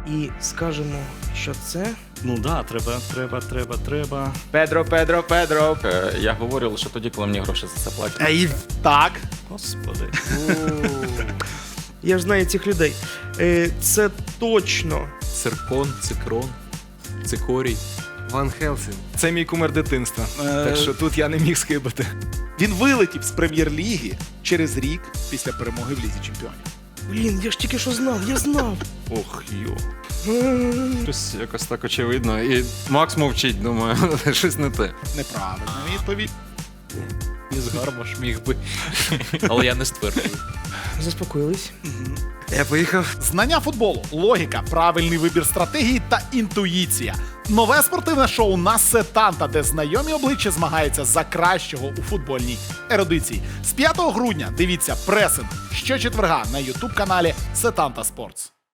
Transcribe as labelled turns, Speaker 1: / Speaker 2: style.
Speaker 1: і скажемо, що це...
Speaker 2: Ну да, треба.
Speaker 3: Педро.
Speaker 4: Я говорю лише тоді, коли мені гроші за це платять.
Speaker 3: Так.
Speaker 2: Господи.
Speaker 1: Я ж знаю цих людей. Це точно.
Speaker 5: Циркон, цикрон, цикорій.
Speaker 6: Ван Хелсінг.
Speaker 3: Це мій кумир дитинства. Так що тут я не міг скибати. Він вилетів з прем'єр-ліги через рік після перемоги в Лізі Чемпіонів.
Speaker 1: Блін, я ж тільки що знав, я знав.
Speaker 5: Ох, йо. Щось якось так очевидно. І Макс мовчить, думаю, щось не те.
Speaker 3: Неправильна відповідь.
Speaker 5: Із Гармаш міг би. Але я не стверджую.
Speaker 1: Заспокоїлись.
Speaker 6: Я поїхав.
Speaker 3: Знання футболу, логіка, правильний вибір стратегії та інтуїція. Нове спортивне шоу на Сетанта, де знайомі обличчя змагаються за кращого у футбольній ерудиції. З 5 грудня дивіться пресинг щочетверга на ютуб-каналі Сетанта Спортс.